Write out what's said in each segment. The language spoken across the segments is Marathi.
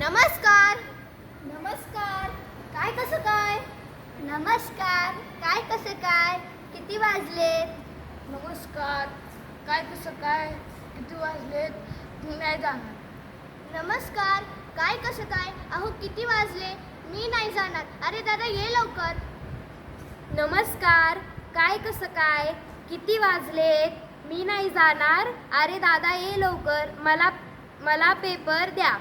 नमस्कार. नमस्कार. काय कसं काय? नमस्कार. काय कसं काय? किती वाजलेत? नमस्कार. काय कसं काय? किती वाजलेत? मी नाही जाणार. नमस्कार. काय कसं काय? अहो किती वाजले? मी नाही जाणार. अरे दादा ये लवकर. नमस्कार. काय कसं काय? किती वाजलेत? मी नाही जाणार. अरे दादा ये लवकर. मला पेपर द्या.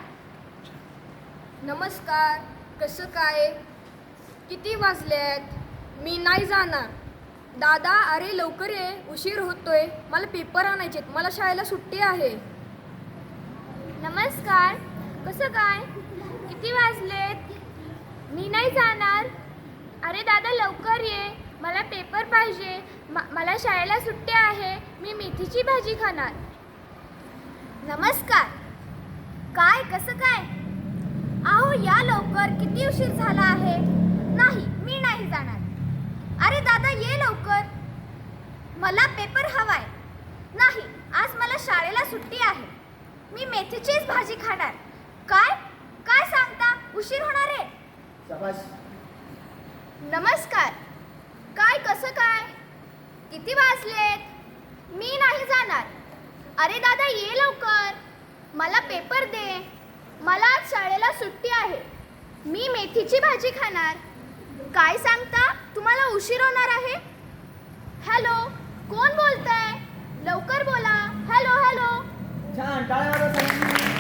नमस्कार. कसं काय? किती वाजलेत? मी नाही जाणार. दादा अरे लवकर ये, उशीर होतोय. मला पेपर आणायचेत. मला शाळेला सुट्टी आहे. नमस्कार. कसं काय? किती वाजलेत? मी नाही जाणार. अरे दादा लवकर ये. मला पेपर पाहिजे. मला शाळेला सुट्टी आहे. मी मेथीची भाजी खाणार. नमस्कार. काय कसं काय? अहो या लवकर. किती उशीर झाला आहे. नाही मी नाही जाणार. अरे दादा ये लवकर. मला पेपर हवाय. नाही आज मला शाळेला सुट्टी आहे. मी मेथीचीच भाजी खाणार. काय काय सांगता? उशीर होणार आहे. नमस्कार. काय कसं काय? किती वाजलेत? मी नाही जाणार. अरे दादा ये लवकर. मला पेपर दे. मला आज शाळेला सुट्टी आहे. मी मेथीची भाजी खाणार. काय सांगता? तुम्हाला उशीर होणार आहे. हॅलो कोण बोलतंय? लवकर बोला. Hello hello. छान टाळ्या वाजवा सगळ्यांनी.